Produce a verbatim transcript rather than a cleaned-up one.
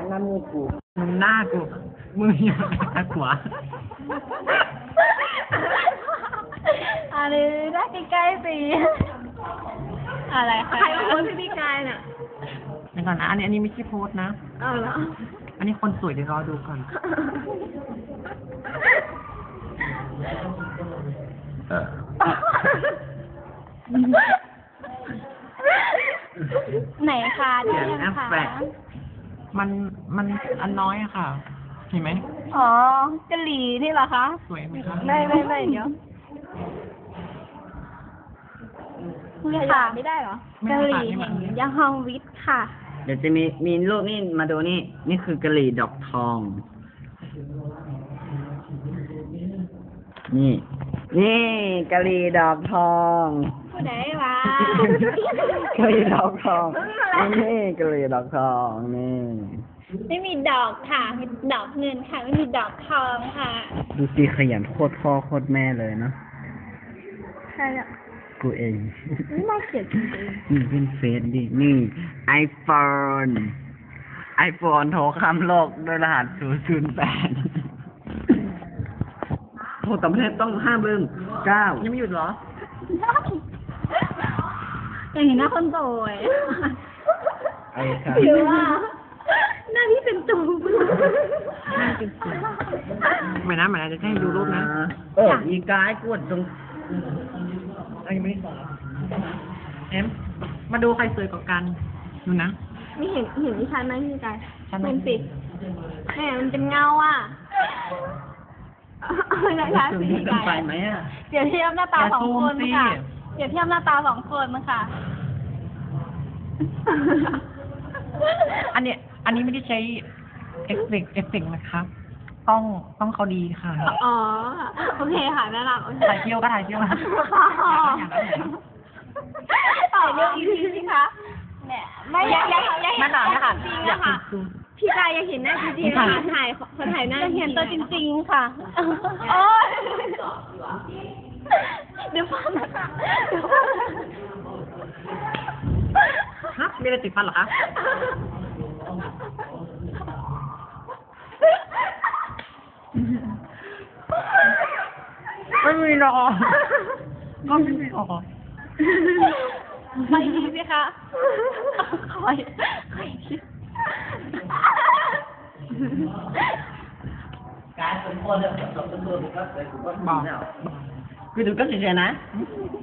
หน้ามือกูมึงหน้ากูมืออยู่ตะขวาอะไรได้ใกล้ๆสิอะไรคะใครมาโพสต์พี่กายน่ะเดี๋ยวก่อนนะอันนี้อันนี้ไม่ใช่โพสต์นะเอาเหรออันนี้คนสวยเดี๋ยวรอดูก่อนเออไหนคะดูเสียงยังแอปคะแฝกมันมันอันน้อยอะค่ะ เห็นไหมอ๋อกะหรี่นี่เหรอคะสวยไหมคะไม่ไม่ไม่เดี๋ยวค่ะไม่ได้เหรอกะหรี่แห่งยังฮองวิทค่ะเดี๋ยวจะมีมีรูปนี่มาดูนี่นี่คือกะหรี่ดอกทอง นี่ นี่กะหรี่ดอกทองผู้ใดวะกะหรี่ดอกทองนี่กะหรี่ดอกทองนี่ไม่มีดอกค่ะมีดอกเงินค่ะไม่มีดอกทองค่ะดูสิขยันโคตรพ่อโคตรแม่เลยเนาะใช่อ่ะกูเองไม่น่าเกลียดจริงนี่เป็นเฟซดินี่ไอโฟนไอโฟนโทรข้ามโลกด้วยรหัสศูนย์ศูนย์แปดโทรต่างประเทศต้องห้าเบิ้งเก้ายังไม่หยุดเหรอๆอย่างนี้หน้าคนโตยไอ้ครับหรือว่าหน้าพี่เป็นตูมไม่นะไม่นะจะให้ดูรูปนะเอออีกายกดตรงอันนี้ไม่ได้สอนเอ็มมาดูใครสวยกว่ากัน ดูนะไม่เห็นเห็นดิฉันไหมพี่กายฉันไหมเป็นสิแหมมันเป็นเงาอ่ะเอาเลยนะคะถึงสีเกินกายไปไหมอ่ะเปรียบเทียบหน้าตาสองคนอย่าซูมสิค่ะเปรียบเทียบหน้าตาสองคนมั้งค่ะอันเนี้ยอันนี้ไม่ได้ใช้เอฟเฟกต์เอฟเฟกต์นะครับ ต้องต้องเขาดีค่ะอ๋อ โอเคค่ะน่ารักโอเคถ่ายเที่ยวก็ถ่ายเที่ยวนะต่อเรื่องอีกทีสิคะแหมไม่อยากอยากอยากเห็นั่นนน่ะตัวนะคะจริงๆอยาอะกค่ะดูพี่กายอยากเห็นหน้าจริงๆค่ะค่ะถ่ายขอถ่ายหน้าอยากเห็นตัวจริงๆค่ะโอ้ยเดี๋ยวฟังนะคะเดี๋ยวฟังนะคะฮะมีอะไรติดฟันเหรอคะไม่มีหรอกก็ไม่มีหรอกไปดีสิคะคอยคอยคิดการสมควรเลยสมควรก็เลยกูก็บอกคือดูก็เฉยๆนะ